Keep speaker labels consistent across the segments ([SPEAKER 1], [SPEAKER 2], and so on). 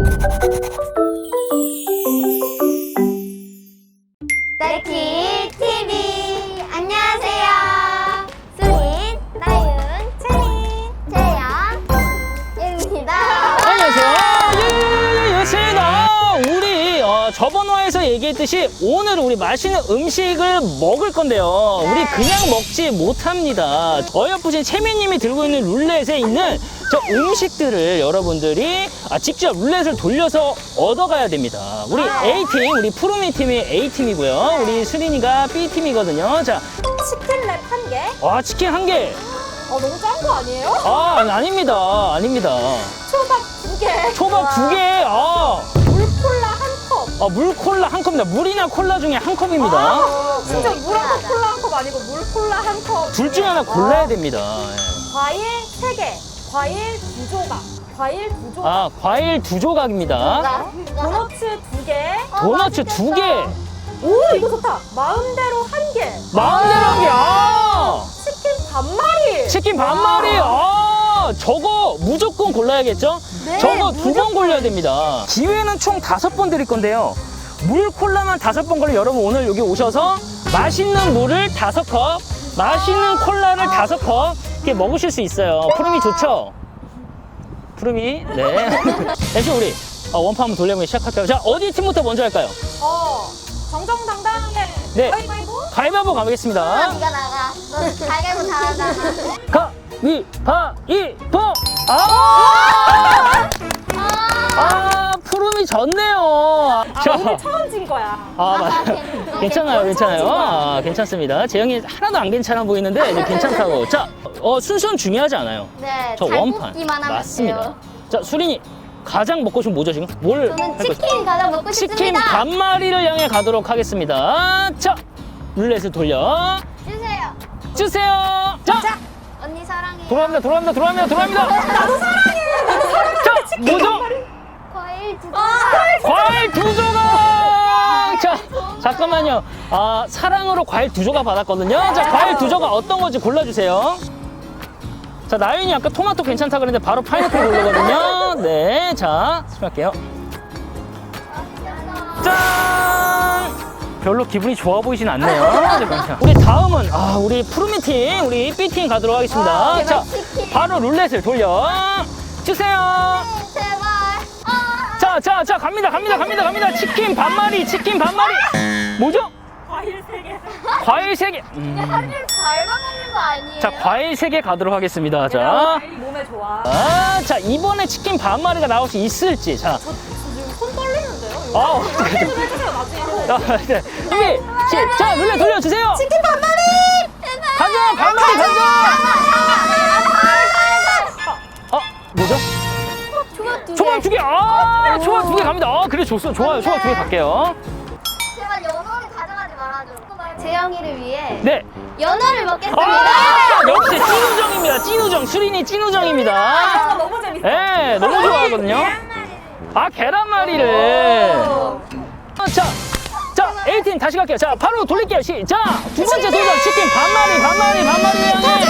[SPEAKER 1] 딸기 TV 안녕하세요. 수린, 나윤, 채린, 재영입니다.
[SPEAKER 2] 안녕하세요. 예예예예예습니다. 우리 저번 화에서 얘기했듯이 오늘 우리 맛있는 음식을 먹을 건데요.
[SPEAKER 1] 네.
[SPEAKER 2] 우리 그냥 먹지 못합니다. 어여쁘신 채민님이 들고 있는 룰렛에 있는 저 음식들을 여러분들이 직접 룰렛을 돌려서 얻어가야 됩니다. 우리 A팀, 우리 푸르미 팀이 A팀이고요. 우리 수린이가 B팀이거든요. 자,
[SPEAKER 1] 치킨랩 한 개.
[SPEAKER 2] 치킨 한 개.
[SPEAKER 1] 너무 짠 거 아니에요?
[SPEAKER 2] 아닙니다. 아닙니다.
[SPEAKER 1] 초밥 두 개.
[SPEAKER 2] 초밥 두 개.
[SPEAKER 1] 물콜라 한 컵.
[SPEAKER 2] 물콜라 한 컵입니다. 물이나 콜라 중에 한 컵입니다.
[SPEAKER 1] 진짜 물 한 컵, 콜라 한 컵 아니고 물콜라 한 컵.
[SPEAKER 2] 둘 중에 하나 골라야 됩니다.
[SPEAKER 1] 과일 세 개. 과일 두 조각. 과일 두 조각.
[SPEAKER 2] 과일 두 조각입니다.
[SPEAKER 1] 도너츠 두 개.
[SPEAKER 2] 도너츠 두 개.
[SPEAKER 1] 오, 이거 좋다. 마음대로 한 개.
[SPEAKER 2] 마음대로 한 개.
[SPEAKER 1] 치킨 반마리.
[SPEAKER 2] 치킨 반마리. 저거 무조건 골라야겠죠?
[SPEAKER 1] 네,
[SPEAKER 2] 저거 두 번 골라야 됩니다. 기회는 총 5번 드릴 건데요. 물 콜라만 5번 걸려 여러분 오늘 여기 오셔서 맛있는 물을 5컵, 맛있는 콜라를 5컵 이렇게 먹으실 수 있어요. 푸름이 좋죠? 푸름이, 네. 대신 우리 원판 한번 돌려보기 시작할까요? 자, 어디 팀부터 먼저 할까요?
[SPEAKER 1] 정정당당하게.
[SPEAKER 2] 네.
[SPEAKER 1] 가위바위보.
[SPEAKER 2] 가위바위보 가보겠습니다.
[SPEAKER 1] 네가 나가. 너 가위바위보 다 하잖아.
[SPEAKER 2] 가위바위보! 푸름이 졌네요.
[SPEAKER 1] 오늘 처음 진 거야.
[SPEAKER 2] 괜찮아요, 괜찮아요. 괜찮습니다. 재영이 하나도 안 괜찮아 보이는데 이제 괜찮다고. 자, 순서는 중요하지 않아요.
[SPEAKER 1] 네,
[SPEAKER 2] 저
[SPEAKER 1] 잘
[SPEAKER 2] 원판.
[SPEAKER 1] 뽑기만 하면
[SPEAKER 2] 맞습니다.
[SPEAKER 1] 돼요.
[SPEAKER 2] 자, 수린이 가장 먹고 싶은 뭐죠 지금? 뭘
[SPEAKER 1] 저는
[SPEAKER 2] 할 거죠?
[SPEAKER 1] 치킨 가장 먹고
[SPEAKER 2] 치킨
[SPEAKER 1] 싶습니다.
[SPEAKER 2] 반마리를 향해 가도록 하겠습니다. 자, 룰렛을 돌려
[SPEAKER 1] 주세요.
[SPEAKER 2] 주세요. 자,
[SPEAKER 1] 언니 사랑해.
[SPEAKER 2] 돌아갑니다.
[SPEAKER 1] 나도 사랑해.
[SPEAKER 2] 자, 뭐죠?
[SPEAKER 1] 과일 두
[SPEAKER 2] 과일 두 조각! 자, 잠깐만요. 사랑으로 과일 두 조각 받았거든요. 자, 과일 두 조각 어떤 건지 골라주세요. 자, 나윤이 아까 토마토 괜찮다 그랬는데 바로 파인애플 고르거든요. 네, 자, 수고할게요. 짠! 별로 기분이 좋아 보이진 않네요. 우리 다음은, 우리 푸르미 팀, 우리 B팀 가도록 하겠습니다. 자, 바로 룰렛을 돌려 주세요.
[SPEAKER 1] 제발.
[SPEAKER 2] 자, 갑니다. 치킨 반마리. 뭐죠?
[SPEAKER 1] 과일 세 개.
[SPEAKER 2] 과일 3개.
[SPEAKER 1] 하루에 과일만 먹는 거 아니에요?
[SPEAKER 2] 자, 과일 3개 가도록 하겠습니다. 자.
[SPEAKER 1] 과일 몸에 좋아.
[SPEAKER 2] 자, 이번에 치킨 반마리가 나올 수 있을지. 자.
[SPEAKER 1] 저 지금 손 떨리는데요?
[SPEAKER 2] 어떡해.
[SPEAKER 1] 좀 해주세요, 나중에.
[SPEAKER 2] 네. 준비, 시작! 룰렛 돌려주세요!
[SPEAKER 1] 치킨 반마리!
[SPEAKER 2] 가자! 반마리 가자! 뭐죠?
[SPEAKER 1] 초밥 두 개.
[SPEAKER 2] 초밥 2개! 초밥 2개 갑니다. 그래, 좋아요. 초밥 2개 갈게요.
[SPEAKER 1] 제발 연어를 가져가지 말아줘. 재영이를 위해
[SPEAKER 2] 네.
[SPEAKER 1] 연어를 먹겠습니다.
[SPEAKER 2] 역시 찐우정입니다. 찐우정. 수린이 찐우정입니다.
[SPEAKER 1] 너무 재밌어.
[SPEAKER 2] 네, 너무 좋아하거든요. 계란말이를. 자, A팀 다시 갈게요. 자, 바로 돌릴게요. 시작! 두 번째 도전. 치킨 반마리 향해.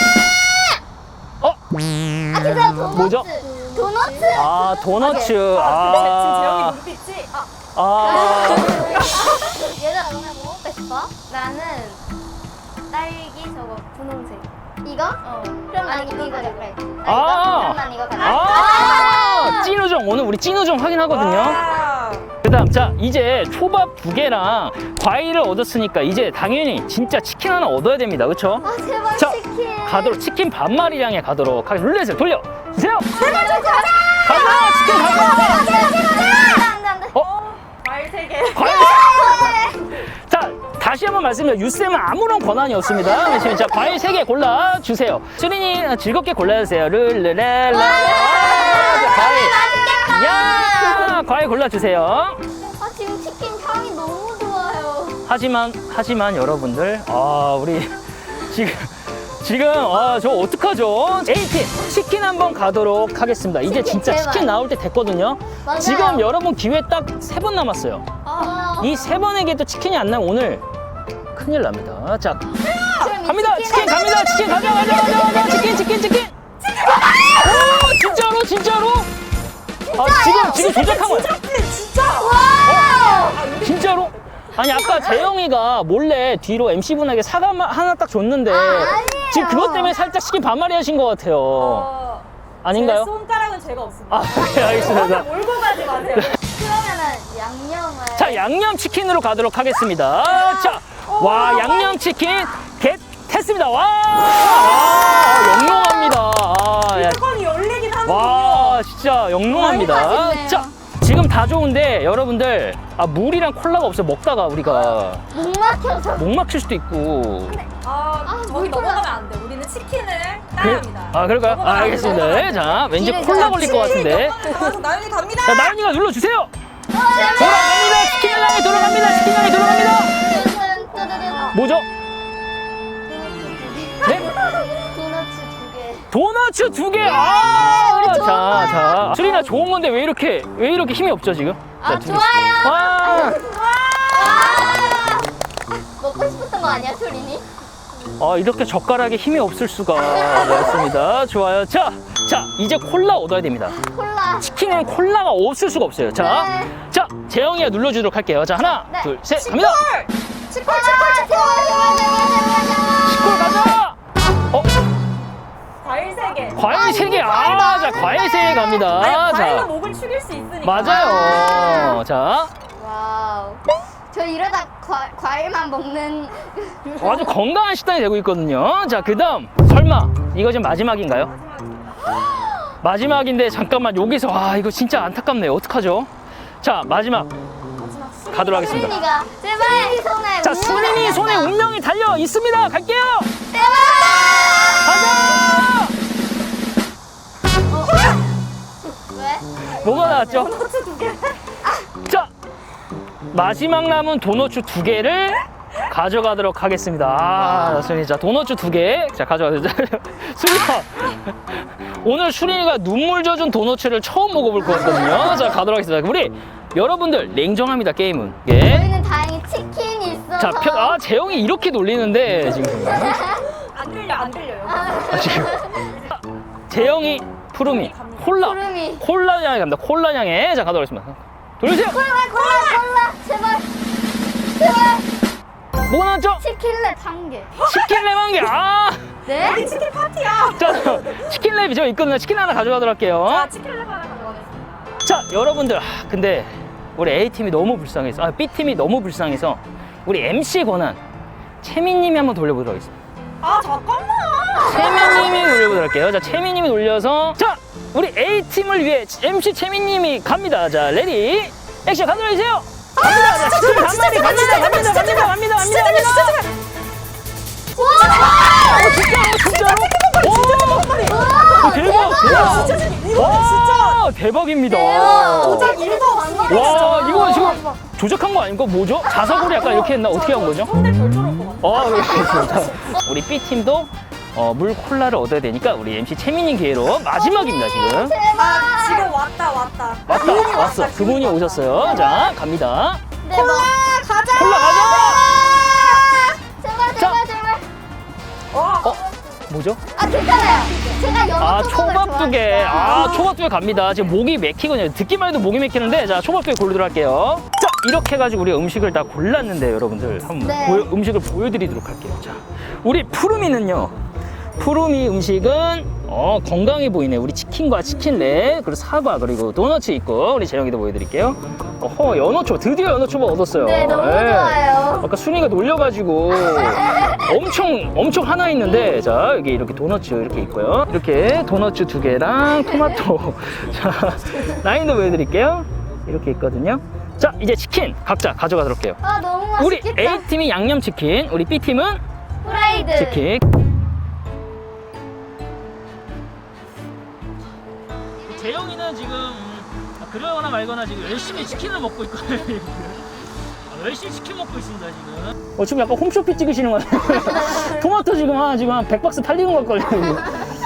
[SPEAKER 1] 진짜 도너츠.
[SPEAKER 2] 뭐죠?
[SPEAKER 1] 도너츠.
[SPEAKER 2] 도너츠.
[SPEAKER 1] 지금 재영이 눈빛이. 얘들아, 너네 뭐 먹고 싶어? 나는 딸기 저거 분홍색. 이거? 그럼 난 이거 갈래. 그럼 난 이거 갈래.
[SPEAKER 2] 찐우정. 오늘 우리 찐우정 확인하거든요. 그 다음, 자, 이제 초밥 2개랑 과일을 얻었으니까 이제 당연히 진짜 치킨 하나 얻어야 됩니다. 그쵸?
[SPEAKER 1] 제발
[SPEAKER 2] 자,
[SPEAKER 1] 치킨.
[SPEAKER 2] 가도록 치킨 반마리량에 가도록 하겠습니다. 룰렛을 돌려주세요.
[SPEAKER 1] 제발 좀 가자.
[SPEAKER 2] 치킨 가자.
[SPEAKER 1] 안돼. 과일 세 개.
[SPEAKER 2] 자, 다시 한번 말씀드려요. 유쌤은 아무런 권한이 없습니다. 자, 과일 3개 골라주세요. 수린이 즐겁게 골라주세요. 룰루랄라. 과일. 야, 과일 골라주세요.
[SPEAKER 1] 지금 치킨 향이 너무 좋아요.
[SPEAKER 2] 하지만 여러분들, 우리 지금 저 어떡하죠? A팀 치킨 한번 가도록 하겠습니다. 이제 진짜
[SPEAKER 1] 제발.
[SPEAKER 2] 치킨 나올 때 됐거든요.
[SPEAKER 1] 맞아요.
[SPEAKER 2] 지금 여러분 기회 딱 3번 남았어요. 이 3번에게 또 치킨이 안 나면 오늘 큰일 납니다. 자, 갑니다. 치킨 갑니다. 치킨 가자. 치킨. 오, 진짜로? 지금 조작한 거야.
[SPEAKER 3] 진짜.
[SPEAKER 2] 진짜로? 아니 아까 재영이가 몰래 뒤로 MC분에게 사과 하나 딱 줬는데
[SPEAKER 1] 아니에요.
[SPEAKER 2] 지금 그것 때문에 살짝 치킨 반마리 하신 것 같아요. 아닌가요?
[SPEAKER 3] 제 손가락은 죄가 없습니다.
[SPEAKER 2] 아, 네, 알겠습니다.
[SPEAKER 3] 몰고 가지 마세요.
[SPEAKER 1] 그러면은 양념을.
[SPEAKER 2] 자, 양념치킨으로 가도록 하겠습니다. 자, 와, 양념치킨 겟 했습니다. 와, 영롱합니다. 야,
[SPEAKER 3] 뚜껑이 열리긴 하는군요.
[SPEAKER 2] 와, 진짜 영롱합니다.
[SPEAKER 1] 맛있네요.
[SPEAKER 2] 자, 지금 다 좋은데 여러분들 물이랑 콜라가 없어요. 먹다가 우리가
[SPEAKER 1] 목 막혀서.
[SPEAKER 2] 목 막힐 수도 있고.
[SPEAKER 3] 저기 넘어가면 안 돼. 우리는 치킨을 따야 합니다.
[SPEAKER 2] 그럴까요?
[SPEAKER 3] 넘어가면 안 돼,
[SPEAKER 2] 알겠습니다.
[SPEAKER 3] 넘어가면 안 돼.
[SPEAKER 2] 자, 왠지
[SPEAKER 1] 이래,
[SPEAKER 2] 콜라
[SPEAKER 1] 자,
[SPEAKER 2] 걸릴 것 같은데.
[SPEAKER 3] 나와서 나연이 갑니다.
[SPEAKER 2] 자, 나연이가 눌러주세요. 돌아갑니다. 치킨 향이 돌아갑니다. 치킨 향이 돌아갑니다. 뭐죠? 네?
[SPEAKER 1] 도너츠 2개.
[SPEAKER 2] 도너츠 2개.
[SPEAKER 1] 우리 좋은 거야.
[SPEAKER 2] 자. 수리나 좋은 건데 왜 이렇게 힘이 없죠, 지금? 자, 두 개.
[SPEAKER 1] 좋아요.
[SPEAKER 2] 와.
[SPEAKER 1] 먹고 싶었던 거 아니야, 소린이?
[SPEAKER 2] 이렇게 젓가락에 힘이 없을 수가. 맞습니다. 좋아요. 자, 이제 콜라 얻어야 됩니다.
[SPEAKER 1] 콜라.
[SPEAKER 2] 치킨에는 콜라가 없을 수가 없어요. 자,
[SPEAKER 1] 네.
[SPEAKER 2] 재영이가 눌러주도록 할게요. 자, 하나,
[SPEAKER 1] 네.
[SPEAKER 2] 둘, 셋, 갑니다.
[SPEAKER 1] 치콜.
[SPEAKER 2] 치콜 가자.
[SPEAKER 3] 과일 3개.
[SPEAKER 2] 과일 3개. 자, 과일 3개 갑니다.
[SPEAKER 3] 과일로
[SPEAKER 2] 자,
[SPEAKER 3] 목을 축일 수 있으니까.
[SPEAKER 2] 맞아요. 자,
[SPEAKER 1] 와우. 저 이러다 과일만 먹는.
[SPEAKER 2] 아주 건강한 식단이 되고 있거든요. 자, 그 다음 설마 이거 지금 마지막인가요? 마지막인데 잠깐만 여기서 이거 진짜 안타깝네요. 어떡하죠? 자, 마지막 가도록 하겠습니다.
[SPEAKER 1] 소린이가 제발 손에.
[SPEAKER 2] 자, 수린이 손에 운명이 달려 있습니다. 갈게요.
[SPEAKER 1] 제발.
[SPEAKER 2] 가자.
[SPEAKER 1] 왜?
[SPEAKER 2] 뭐가 나왔죠?
[SPEAKER 3] 도너츠 2개.
[SPEAKER 2] 자, 마지막 남은 도너츠 2개를 가져가도록 하겠습니다. 수린이, 자, 도너츠 2개. 자, 가져가세요. 수린아, 오늘 수린이가 눈물 젖은 도너츠를 처음 먹어볼 거거든요. 자, 가도록 하겠습니다. 우리 여러분들 냉정합니다, 게임은. 예.
[SPEAKER 1] 저희는 다행히 치킨이 있어서.
[SPEAKER 2] 자, 재영이 이렇게 놀리는데 지금.
[SPEAKER 3] 안 들려요.
[SPEAKER 2] 지금. 재영이, 푸르미, 콜라.
[SPEAKER 1] 푸르미.
[SPEAKER 2] 콜라 향에 갑니다. 콜라 향에. 자, 가도록 하겠습니다. 돌리세요.
[SPEAKER 1] 콜라. 제발.
[SPEAKER 2] 뭐가 나왔죠?
[SPEAKER 1] 치킨랩 1개.
[SPEAKER 2] 치킨랩 한 개.
[SPEAKER 1] 네?
[SPEAKER 3] 우리 치킨 파티야.
[SPEAKER 2] 자, 치킨랩이 저 있거든요. 치킨 하나 가져가도록 할게요.
[SPEAKER 3] 자, 치킨을 하나 가져가겠습니다.
[SPEAKER 2] 자, 여러분들. 근데 우리 A팀이 너무 불쌍해서, B팀이 너무 불쌍해서 우리 MC 권한 채민님이 한번 돌려보도록 하겠습니다.
[SPEAKER 3] 잠깐만.
[SPEAKER 2] 채민님이 돌려보도록 할게요. 자, 채민님이 돌려서, 자, 우리 A팀을 위해 MC 채민님이 갑니다. 자, 레디, 액션 가도록 해주세요. 갑니다. 자, 치킨 반마리 갑니다. 진짜로? 대박. 와, 대박입니다.
[SPEAKER 3] 도작 1도 안
[SPEAKER 2] 와, 이거 지금 조작한 거 아닙니까? 뭐죠? 자석으로 약간 이렇게 했나? 어떻게 한 거죠?
[SPEAKER 3] 손에 별줄 올것 같아.
[SPEAKER 2] 그렇습니다. 우리 B팀도 물 콜라를 얻어야 되니까 우리 MC 채민님 기회로 마지막입니다, 지금.
[SPEAKER 3] 지금 왔다.
[SPEAKER 2] 왔어. 그분이 오셨어요. 자, 갑니다.
[SPEAKER 1] 네, 콜라 가자.
[SPEAKER 2] 콜라 가자!
[SPEAKER 1] 제발.
[SPEAKER 2] 뭐죠?
[SPEAKER 1] 괜찮아요. 제가 연어
[SPEAKER 2] 초밥 2개. 초밥 2개 갑니다. 지금 목이 맥히거든요. 듣기만 해도 목이 맥히는데, 자, 초밥 2개 고르도록 할게요. 자, 이렇게 해가지고 우리 음식을 다 골랐는데, 여러분들. 한번
[SPEAKER 1] 네.
[SPEAKER 2] 음식을 보여드리도록 할게요. 자, 우리 푸르미는요. 푸르미 음식은 건강해 보이네. 우리 치킨과 치킨랩, 그리고 사과, 그리고 도너츠 있고, 우리 재영이도 보여드릴게요. 연어초밥. 드디어 연어초밥 얻었어요.
[SPEAKER 1] 네, 너무 좋아요.
[SPEAKER 2] 아까 순이가 놀려가지고 엄청 하나 있는데, 자, 여기 이렇게 도너츠 이렇게 있고요. 이렇게 도너츠 2개랑 토마토. 자, 라인도 보여드릴게요. 이렇게 있거든요. 자, 이제 치킨 각자 가져가도록 할게요.
[SPEAKER 1] 너무
[SPEAKER 2] 우리
[SPEAKER 1] 맛있겠다.
[SPEAKER 2] A팀이 양념치킨, 우리 B팀은
[SPEAKER 1] 프라이드.
[SPEAKER 2] 치킨. 재영이는 지금 그러거나 말거나 지금 열심히 치킨을 먹고 있거든요. 열심히 치킨 먹고 있습니다, 지금. 지금 약간 홈쇼핑 찍으시는 거 같아요. 토마토 지금 한 100박스 팔리는 것 같거든요.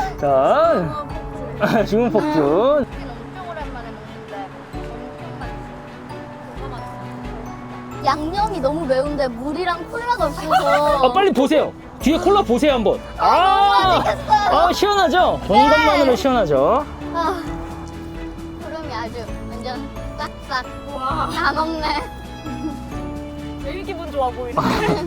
[SPEAKER 2] 자, 지금 폭주.
[SPEAKER 1] 엄청 오랜만에 먹는데 엄청 맛있어. 양념이 너무 매운데 물이랑 콜라가 없어서.
[SPEAKER 2] 빨리 보세요. 뒤에 콜라 보세요, 한번.
[SPEAKER 1] 맛있겠어요.
[SPEAKER 2] 시원하죠? 본 것만으로 시원하죠?
[SPEAKER 1] 구름이 아주 완전 싹싹
[SPEAKER 3] 와,
[SPEAKER 1] 다 먹네.
[SPEAKER 3] 제일 기분 좋아 보이네.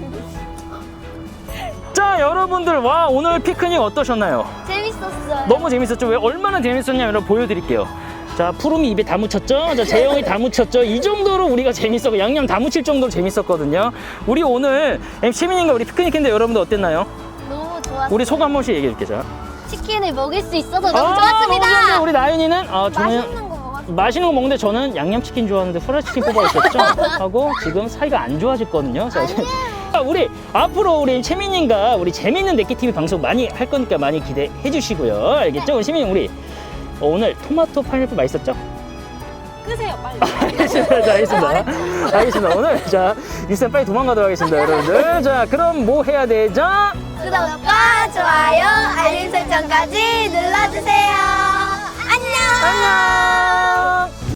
[SPEAKER 2] 자, 여러분들, 와, 오늘 피크닉 어떠셨나요?
[SPEAKER 1] 재밌었어요.
[SPEAKER 2] 너무 재밌었죠? 왜 얼마나 재밌었냐 여러분 보여드릴게요. 자, 푸름이 입에 다 묻혔죠? 자, 재영이 다 묻혔죠? 이 정도로 우리가 재밌었고 양념 다 묻힐 정도로 재밌었거든요. 우리 오늘 시민님과 우리 피크닉인데 여러분들 어땠나요?
[SPEAKER 1] 너무 좋았어요.
[SPEAKER 2] 우리 소감 한 번씩 얘기해 줄게요. 자.
[SPEAKER 1] 치킨을 먹을 수 있어서 너무
[SPEAKER 2] 너무
[SPEAKER 1] 좋았습니다.
[SPEAKER 2] 좋았는데 우리 나윤이는
[SPEAKER 1] 맛있는 거 먹었어요.
[SPEAKER 2] 맛있는 거 먹는데 저는 양념치킨 좋아하는데 후라이치킨 뽑아 있었죠? 하고 지금 사이가 안 좋아졌거든요. 자, 우리 앞으로 우리 채민님과 우리 재밌는 네끼TV 방송 많이 할 거니까 많이 기대해 주시고요. 알겠죠? 우리 채민님 우리 오늘 토마토 파인애플 맛있었죠?
[SPEAKER 3] 끄세요, 빨리.
[SPEAKER 2] 알겠습니다. 자, 알겠습니다. 알겠습니다. 오늘 자 일단 빨리 도망가도록 하겠습니다, 여러분들. 자, 그럼 뭐 해야 되죠?
[SPEAKER 1] 구독과 좋아요, 알림 설정까지 눌러주세요. 안녕.
[SPEAKER 2] 안녕.